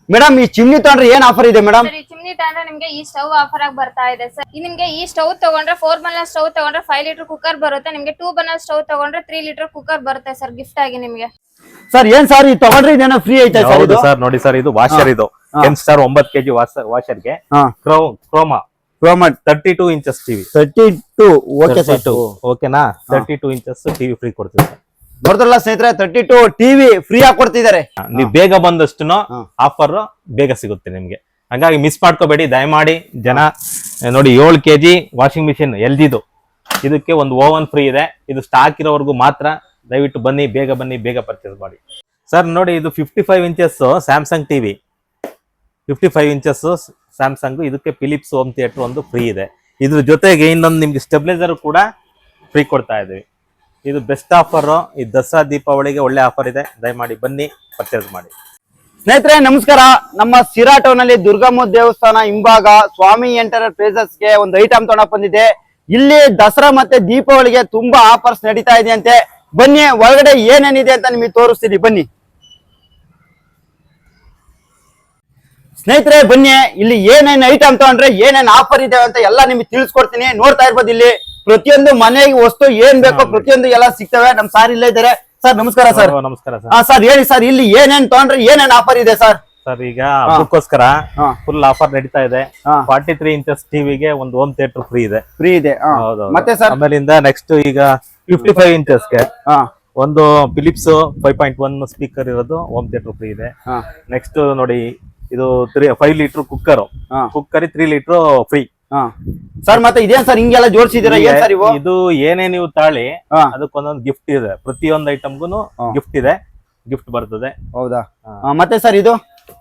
Madam ಈ chimney ತಗೊಂಡ್ರೆ ಏನ್ ಆಫರ್ ಇದೆ ಮೇಡಮ್? ಸರ್ ಈ ಚಿಮ್ನಿ ತಗೊಂಡ್ರೆ ನಿಮ್ಗೆ ಈ ಸ್ಟವ್ ಆಫರ್ ಆಗಿ ಬರ್ತಾ ಇದೆ ಸರ್. ನಿಮ್ಗೆ ಈ ಸ್ಟವ್ ತಗೊಂಡ್ರೆ 4 ಬರ್ನರ್ ಸ್ಟವ್ ತಗೊಂಡ್ರೆ 5 ಲೀಟರ್ ಕುಕ್ಕರ್ ಬರುತ್ತೆ. ನಿಮ್ಗೆ 2 ಬರ್ನರ್ ಸ್ಟವ್ ತಗೊಂಡ್ರೆ 3 ಲೀಟರ್ ಕುಕ್ಕರ್ ಬರುತ್ತೆ ಸರ್ ಗಿಫ್ಟ್ ಆಗಿ ನಿಮ್ಗೆ. ಸರ್ ಏನ್ ಸರ್ ಈ ತಗೊಂಡ್ರೆ ಇದೇನೋ ಫ್ರೀ ಐತೆ ಸರ್ ಇದು? ಸರ್ ನೋಡಿ ಸರ್, ಇದು ವಾಷರ್, ಇದು 10 ಸ್ಟಾರ್ 9 kg ವಾಷರ್ಗೆ Croma 32 inches TV. 32 okay sir, ಓಕೆನಾ? 32 ಇಂಚಸ್ ಟಿವಿ ಫ್ರೀ ಕೊಡ್ತೀವಿ ಸರ್. ನೋಡಿದ್ರಲ್ಲ ಸ್ನೇಹಿತರೆ, 32 ಟಿವಿ ಫ್ರೀ ಆಗಿ ಕೊಡ್ತಿದ್ದಾರೆ. ನೀವು ಬೇಗ ಬಂದಷ್ಟು ಆಫರ್ ಬೇಗ ಸಿಗುತ್ತೆ ನಿಮ್ಗೆ, ಹಾಗಾಗಿ ಮಿಸ್ ಮಾಡ್ಕೋಬೇಡಿ ದಯಮಾಡಿ ಜನ. ನೋಡಿ 7 kg ವಾಷಿಂಗ್ ಮಿಷಿನ್ LGದು, ಇದಕ್ಕೆ ಒಂದು ಓವನ್ ಫ್ರೀ ಇದೆ. ಇದು ಸ್ಟಾಕ್ ಇರೋವರೆಗೂ ಮಾತ್ರ. ದಯವಿಟ್ಟು ಬನ್ನಿ, ಬೇಗ ಪರ್ಚೇಸ್ ಮಾಡಿ ಸರ್. ನೋಡಿ ಇದು 55 inches Samsung TV, 55 inches Samsung. ಇದಕ್ಕೆ ಫಿಲಿಪ್ಸ್ ಹೋಮ್ ಥಿಯೇಟರ್ ಒಂದು ಫ್ರೀ ಇದೆ. ಇದ್ರ ಜೊತೆಗೆ ಇನ್ನೊಂದು ನಿಮ್ಗೆ ಸ್ಟೆಬಿಲೈಸರ್ ಕೂಡ ಫ್ರೀ ಕೊಡ್ತಾ ಇದೀವಿ. ಇದು ಬೆಸ್ಟ್ ಆಫರ್. ಈ ದಸರಾ ದೀಪಾವಳಿಗೆ ಒಳ್ಳೆ ಆಫರ್ ಇದೆ. ದಯಮಾಡಿ ಬನ್ನಿ, ಪರ್ಚೇಸ್ ಮಾಡಿ. ಸ್ನೇಹಿತರೆ ನಮಸ್ಕಾರ. ನಮ್ಮ ಸಿರಾ ಟೌನ್ ಅಲ್ಲಿ ದುರ್ಗಮ್ಮ ದೇವಸ್ಥಾನ ಹಿಂಭಾಗ ಸ್ವಾಮಿ ಎಂಟರ್ಪ್ರೈಸಸ್ ಗೆ ಒಂದು ಐಟಮ್ ತಗೊಂಡ್ ಬಂದಿದೆ. ಇಲ್ಲಿ ದಸರಾ ಮತ್ತೆ ದೀಪಾವಳಿಗೆ ತುಂಬಾ ಆಫರ್ಸ್ ನಡೀತಾ ಇದೆ ಅಂತೆ. ಬನ್ನಿ, ಒಳಗಡೆ ಏನೇನಿದೆ ಅಂತ ನಿಮಗೆ ತೋರಿಸ್ತೀನಿ ಬನ್ನಿ ಸ್ನೇಹಿತರೆ. ಬನ್ನಿ, ಇಲ್ಲಿ ಏನೇನ್ ಐಟಮ್ ತಗೊಂಡ್ರೆ ಏನೇನ್ ಆಫರ್ ಇದೆ ಅಂತ ಎಲ್ಲ ನಿಮ್ಗೆ ತಿಳಿಸ್ಕೊಡ್ತೀನಿ. ನೋಡ್ತಾ ಇರ್ಬೋದು, ಇಲ್ಲಿ ಪ್ರತಿಯೊಂದು ಮನೆಗೆ ವಸ್ತು ಏನ್ ಬೇಕೋ ಪ್ರತಿಯೊಂದು ಎಲ್ಲ ಸಿಗ್ತವೆ. ನಮ್ ಸಾರ್ ಇಲ್ಲೇ ಇದ್ದಾರೆ. ಸರ್ ನಮಸ್ಕಾರ ಸರ್. ನಮಸ್ಕಾರ ಸರ್. ಸರ್ ಹೇಳಿ ಸರ್, ಇಲ್ಲಿ ಏನೇನ್ ತಗೊಂಡ್ರೆ ಏನೇನ್ ಆಫರ್ ಇದೆ ಸರ್? ಸರ್ ಈಗ ಹಬ್ಬಕ್ಕೋಸ್ಕರ ಫುಲ್ ಆಫರ್ ನಡೀತಾ ಇದೆ. 43 ಇಂಚಸ್ ಟಿವಿಗೆ ಒಂದು ಹೋಮ್ ಥಿಯೇಟರ್ ಫ್ರೀ ಇದೆ. ಮತ್ತೆ ಸರ್ ಆಮೇಲಿಂದ ನೆಕ್ಸ್ಟ್ ಈಗ 55 ಇಂಚಸ್ಗೆ ಒಂದು ಫಿಲಿಪ್ಸ್ 5.1 ಸ್ಪೀಕರ್ ಇರೋದು ಹೋಮ್ ಥಿಯೇಟರ್ ಫ್ರೀ ಇದೆ. ನೆಕ್ಸ್ಟ್ ನೋಡಿ, ಇದು 5 litre cooker 3 litre free sir. ಮತ್ತೆ ಇದೇನ್ ಸರ್ ಹಿಂಗೆಲ್ಲ ಜೋಡಿಸಿದೀರಾ? ಏನ್ ಸರ್ ಇವು? ಇದು ಏನೇ ನೀವು ತಾಳಿ ಅದಕ್ಕೊಂದೊಂದು ಗಿಫ್ಟ್ ಇದೆ. ಪ್ರತಿಯೊಂದು ಐಟಮ್ಗೂ ಗಿಫ್ಟ್ ಇದೆ, ಗಿಫ್ಟ್ ಬರ್ತದೆ. ಹೌದಾ? ಮತ್ತೆ ಸರ್ ಇದು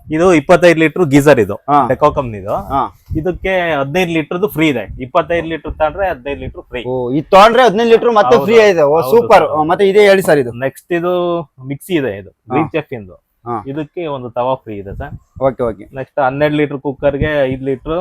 25 ಲೀಟರ್ ಗೀಸರ್, ಇದು ಡೆಕೋ ಕಂಪ್ನಿದು. ಇದಕ್ಕೆ 15 ಲೀಟರ್ ಫ್ರೀ ಇದೆ. 25 ಲೀಟರ್ ತಗೊಂಡ್ರೆ 15 ಲೀಟರ್ ಫ್ರೀ. ಇದು ತಗೊಂಡ್ರೆ 15 ಲೀಟರ್ ಮತ್ತೆ ಫ್ರೀ ಇದೆ. ಸೂಪರ್. ಮತ್ತೆ ಇದೇ ಹೇಳಿ ಸರ್ ಇದು? ನೆಕ್ಸ್ಟ್ ಇದು ಮಿಕ್ಸಿ ಇದೆ, ಇದು ಗ್ರೀನ್ ಚೆಫ್ ಇಂದು. ಇದಕ್ಕೆ ಒಂದು ತವಾ ಫ್ರೀ ಇದೆ ಸರ್. ಓಕೆ. ನೆಕ್ಸ್ಟ್ 12 ಲೀಟರ್ ಕುಕ್ಕರ್ಗೆ 5 ಲೀಟರ್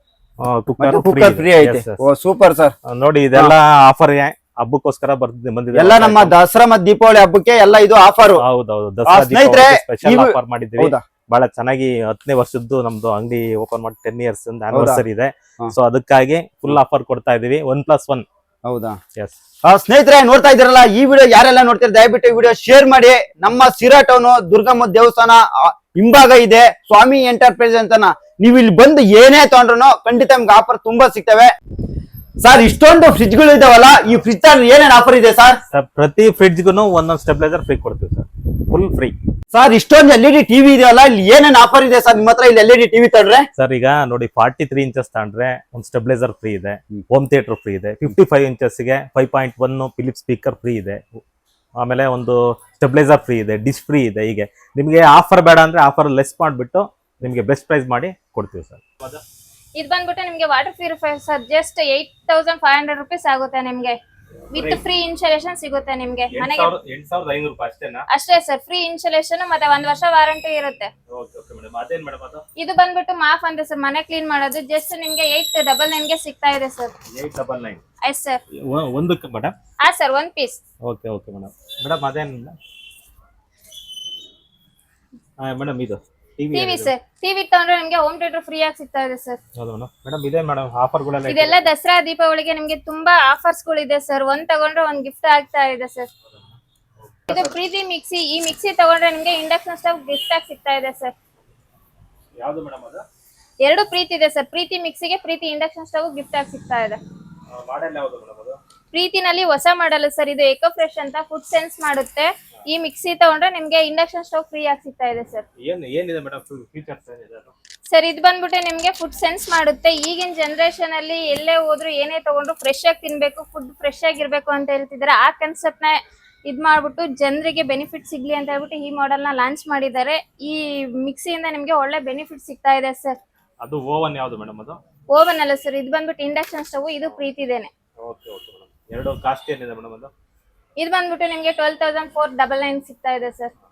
ಕುಕ್ಕರ್ ಫ್ರೀ ಐತೆ. Super sir. ನೋಡಿ ಇದೆಲ್ಲ ಆಫರ್ ಹಬ್ಬಕ್ಕೋಸ್ಕರ ಬಂದಿದೆ. ಎಲ್ಲ ನಮ್ಮ ದಸರಾ ಮತ್ತು ದೀಪಾವಳಿ ಹಬ್ಬಕ್ಕೆ ಎಲ್ಲ ಇದು ಆಫರ್. ಹೌದೌದು, ದಸರಾ ಸ್ಪೆಷಲ್ ಆಫರ್ ಮಾಡಿದ್ದೀವಿ. ಬಹಳ ಚೆನ್ನಾಗಿ 10ನೇ ವರ್ಷದ್ದು ನಮ್ದು ಅಂಗಡಿ ಓಪನ್ ಮಾಡಿ 10 ಇಯರ್ಸ್ ಆನಿವರ್ಸರಿ ಇದೆ. ಸೊ ಅದಕ್ಕಾಗಿ ಫುಲ್ ಆಫರ್ ಕೊಡ್ತಾ ಇದೀವಿ, 1+1. ಹೌದಾ? ಎಸ್. ಸ್ನೇಹಿತರೆ ನೋಡ್ತಾ ಇದ್ದೀರಲ್ಲ, ಈ ವಿಡಿಯೋ ಯಾರೆಲ್ಲ ನೋಡ್ತೀರಾ ದಯವಿಟ್ಟು ವಿಡಿಯೋ ಶೇರ್ ಮಾಡಿ. ನಮ್ಮ ಸಿರಾ ಟೌನ್ ದುರ್ಗಮ್ಮ ದೇವಸ್ಥಾನ ಹಿಂಭಾಗ ಇದೆ ಸ್ವಾಮಿ ಎಂಟರ್ಪ್ರೈಸ್ ಅಂತನ. ನೀವು ಇಲ್ಲಿ ಬಂದು ಏನೇ ತಗೊಂಡ್ರು ಖಂಡಿತ ನಿಮ್ಗೆ ಆಫರ್ ತುಂಬಾ ಸಿಗ್ತವೆ. ಸರ್ ಇಷ್ಟೊಂದು ಫ್ರಿಜ್ ಗಳು ಇದಾವಲ್ಲ, ಈ ಫ್ರಿಜ್ ಏನೇನ್ ಆಫರ್ ಇದೆ ಸರ್? ಪ್ರತಿ ಫ್ರಿಡ್ಜ್ಗೂ ಒಂದೊಂದು ಸ್ಟೆಬಿಲೈಸರ್ ಫ್ರೀ ಕೊಡ್ತೀವಿ ಸರ್, ಫುಲ್ ಫ್ರೀ. ಸರ್ ಇಷ್ಟೊಂದು LED ಟಿವಿ ಇದೆಯಲ್ಲ, ಇಲ್ಲಿ ಏನೇನ್ ಆಫರ್ ಇದೆ ಸರ್ ನಿಮ್ಮ ಹತ್ರ? ಇಲ್ಲಿ LED ಟಿವಿ ತಗೊಂಡ್ರೆ ಸರ್ ಈಗ ನೋಡಿ 43 ಇಂಚಸ್ ತಗೊಂಡ್ರೆ ಒಂದು ಸ್ಟೆಬಿಲೈಸರ್ ಫ್ರೀ ಇದೆ, ಹೋಮ್ ಥಿಯೇಟರ್ ಫ್ರೀ ಇದೆ. 55 ಇಂಚಸ್ಗೆ 5.1 ಫಿಲಿಪ್ಸ್ ಸ್ಪೀಕರ್ ಫ್ರೀ ಇದೆ. ಆಮೇಲೆ ಒಂದು ಸ್ಟೆಬಿಲೈಸರ್ ಫ್ರೀ ಇದೆ, ಡಿಶ್ ಫ್ರೀ ಇದೆ. ಹೀಗೆ ನಿಮ್ಗೆ ಆಫರ್ ಬೇಡ ಅಂದ್ರೆ ಆಫರ್ ಲೆಸ್ ಮಾಡಿಬಿಟ್ಟು ನಿಮ್ಗೆ ಬೆಸ್ಟ್ ಪ್ರೈಸ್ ಮಾಡಿ ಕೊಡ್ತೀವಿ ಸರ್. ಇದು ಬಂದ್ಬಿಟ್ಟು ನಿಮ್ಗೆ water purifier sir, just 8500 rupees ಆಗುತ್ತೆ ನಿಮ್ಗೆ. ವಿತ್ ಫ್ರೀ ಇನ್ಸ್ಟಾಲೇಷನ್ ಸಿಗುತ್ತೆ ನಿಮ್ಗೆ ಮನೆಗೆ. 8500 ರೂಪಾಯಿ ಅಷ್ಟೇನಾ? ಅಷ್ಟೇ ಸರ್, ಫ್ರೀ ಇನ್ಸ್ಟಾಲೇಷನ್ ಮತ್ತೆ 1 ವರ್ಷ ವಾರಂಟಿ ಇರುತ್ತೆ. ಇದು ಬಂದ್ಬಿಟ್ಟು ಮಾಫ್ ಅಂತ ಸರ್, ಮನೆ ಕ್ಲೀನ್ ಮಾಡೋದು. ಜಸ್ಟ್ ನಿಮ್ಗೆ 899 ಗೆ ಸಿಗ್ತಾ ಇದೆ ಸರ್. 899? Yes sir. ಒಂದಕ್ಕೆ ಮೇಡಮ್? ಹಾ ಸರ್, 1 ಪೀಸ್. Okay madam. ಅದೇನಿಲ್ಲ ಮೇಡಮ್, ಇದು ಟಿವಿ ಸರ್. ಟಿವಿ ತಗೊಂಡ್ರೆ ನಿಮ್ಗೆ ಹೋಮ್ ಥಿಯೇಟರ್ ಫ್ರೀ ಆಗಿ ಸಿಗ್ತಾ ಇದೆ ಸರ್. ಹೌದಾ ಮೇಡಮ್? ಇದೆ ಮೇಡಮ್ ಆಫರ್ಗಳೆಲ್ಲ. ಇದೆಲ್ಲ ದಸರಾ ದೀಪಾವಳಿಗೆ ನಿಮ್ಗೆ ತುಂಬಾ ಆಫರ್ಸ್ ಗಳಿದೆ ಸರ್. ಒಂದ್ ತಗೊಂಡ್ರೆ ಒಂದ್ ಗಿಫ್ಟ್ ಆಗ್ತಾ ಇದೆ ಸರ್. ಇದು ಪ್ರೀತಿ ಮಿಕ್ಸಿ. ಈ ಮಿಕ್ಸಿ ತಗೊಂಡ್ರೆ ನಿಮ್ಗೆ ಇಂಡಕ್ಷನ್ ಸ್ಟವ್ ಗಿಫ್ಟ್ ಆಗಿ ಸಿಗ್ತಾ ಇದೆ ಸರ್. ಯಾವುದು ಮೇಡಮ್ ಅದು? 2 ಪ್ರೀತಿ ಇದೆ ಸರ್. ಪ್ರೀತಿ ಮಿಕ್ಸಿಗೆ ಪ್ರೀತಿ ಇಂಡಕ್ಷನ್ ಸ್ಟವ್ ಗಿಫ್ಟ್ ಆಗಿ ಸಿಗ್ತಾ ಇದೆ. ಮಾಡೆಲ್ ಯಾವುದು ಮೇಡಮ್ ಅದು? ಪ್ರೀತಿನಲ್ಲಿ ಹೊಸ ಮಾಡೆಲ್ ಸರ್. ಇದು ಎಕೋ ಫ್ರೆಶ್ ಅಂತ ಫುಡ್ ಸೆನ್ಸ್ ಮಾಡುತ್ತೆ. ಈ ಮಿಕ್ಸಿ ತಗೊಂಡ್ರೆ ನಿಮ್ಗೆ ಇಂಡಕ್ಷನ್ ಸ್ಟವ್ ಫ್ರೀ ಆಗಿ ಸಿಗ್ತಾ ಇದೆ ಸರ್. ಏನಿದೆ ಮೇಡಮ್ ಫೀಚರ್ಸ್ ಏನಿದೆ ಸರ್? ಇದು ಬಂದ್ಬಿಟ್ಟು ನಿಮ್ಗೆ ಫುಡ್ ಸೆನ್ಸ್ ಮಾಡುತ್ತೆ. ಈಗಿನ ಜನರೇಷನ್ ಅಲ್ಲಿ ಎಲ್ಲೇ ಹೋದ್ರು ಏನೇ ತಗೊಂಡ್ರು ಫ್ರೆಶ್ ಆಗಿ ತಿನ್ಬೇಕು, ಫುಡ್ ಫ್ರೆಶ್ ಆಗಿರ್ಬೇಕು ಅಂತ ಹೇಳ್ತಿದ್ದಾರೆ. ಆ ಕಾನ್ಸೆಪ್ಟ್ ನ ಇದ್ ಮಾಡ್ಬಿಟ್ಟು ಜನರಿಗೆ ಬೆನಿಫಿಟ್ ಸಿಗ್ಲಿ ಅಂತ ಹೇಳ್ಬಿಟ್ಟು ಈ ಮಾಡೆಲ್ ನ ಲಾಂಚ್ ಮಾಡಿದ್ದಾರೆ. ಈ ಮಿಕ್ಸಿಯಿಂದ ನಿಮ್ಗೆ ಒಳ್ಳೆ ಬೆನಿಫಿಟ್ ಸಿಗ್ತಾ ಇದೆ ಸರ್. ಅದು ಓವನ್ ಯಾವುದು ಮೇಡಮ್? ಅದು ಓವನ್ ಅಲ್ಲ ಸರ್, ಇದು ಬಂದ್ಬಿಟ್ಟು ಇಂಡಕ್ಷನ್ ಸ್ಟವ್. ಇದು ಪ್ರೀತಿದೇನೆ. Okay madam. ಎರಡು ಕಾಸ್ಟ್ ಏನಿದೆ ಮೇಡಮ್ ಅದು? ಇದು ಬಂದ್ಬಿಟ್ಟು ನಿಮ್ಗೆ 12,499 ಸಿಗ್ತಾ ಇದೆ ಸರ್.